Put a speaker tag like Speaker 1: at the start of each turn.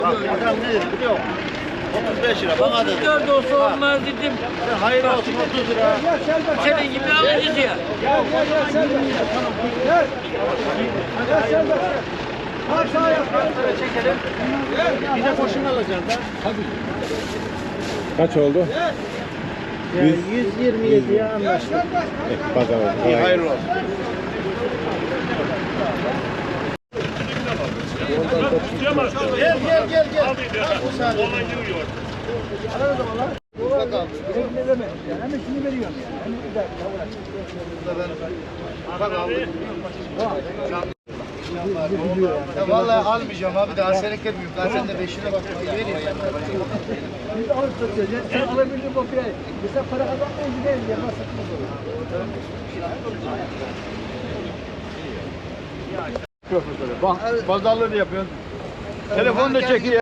Speaker 1: Adam ne dedi biliyor musun? 35 lira bana dedi.
Speaker 2: 34 olsa olmaz dedim.
Speaker 1: Hayır olsun 30 lira.
Speaker 2: Senin gibi alıcı ya.
Speaker 3: Gel Selber. Kalk sağa yap.
Speaker 1: Çekelim. Bir de boşuna alacaksın da.
Speaker 4: Kaç oldu?
Speaker 1: 127'ye anlaştık.
Speaker 4: Pazar oldu.
Speaker 1: İyi hayırlı olsun. Gel. O saniye.
Speaker 3: Ne demek? Yani hemen şunu veriyorum yani. Hemen güzel.
Speaker 1: Ya vallahi almayacağım abi daha senek etmiyorum. Ben sen de 5'ine bak. Vereyim.
Speaker 3: Biz de alıp satacağız. Sen alabildiğin kopya. Mesela para kazanmayın gidelim. Yanına satmaz olur.
Speaker 1: Pazarlığını yapıyorsun. Telefon da çekiyor.